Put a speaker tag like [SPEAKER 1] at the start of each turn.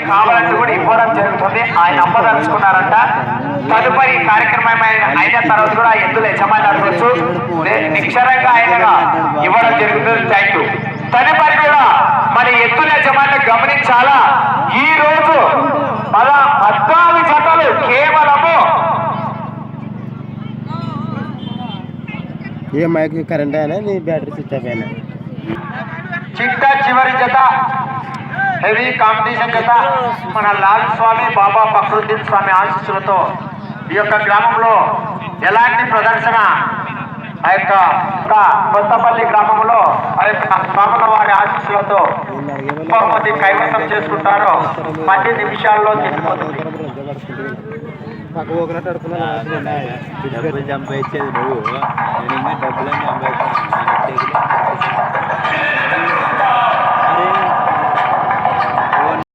[SPEAKER 1] కావాలంటూ కూడా ఇవ్వడం జరుగుతుంది. ఆయన అమ్మదలుచుకున్నారంట. తదుపరి కార్యక్రమం అయిన తర్వాత కూడా ఎద్దుల యజమాని అడగవచ్చు. నిక్షరంగా ఆయనగా ఇవ్వడం జరుగుతుంది. Thank you. తదుపరి కూడా మరి ఎద్దుల యజమాని గమనించాలా, ఈ రోజు 14 జతలు కేవలము
[SPEAKER 2] ఏ మైక్ కరెంట్ అయినా నీ బ్యాటరీ స్విచ్ ఆఫ్ అయినా
[SPEAKER 1] చిట్ట చివరి జత హెవీ కాంపిటీషన్ జత మన లాల్ స్వామి బాబా ఫక్రుద్దీన్ స్వామి ఆశీస్సులతో ఈ యొక్క గ్రామంలో ఎలాంటి ప్రదర్శన ఆ యొక్క కొత్తపల్లి గ్రామంలో ఆ యొక్క స్వాముల వారి ఆశీస్సులతో బహుమతి కైవసం చేసుకుంటారో 10 నిమిషాల్లో తిరిగిపోతుంది.
[SPEAKER 2] పక్క ఒకనట్టు అడుగుతున్నా సంపాదించేది నువ్వు, నేను ఇంకా డబ్బులని సంపాదించాను.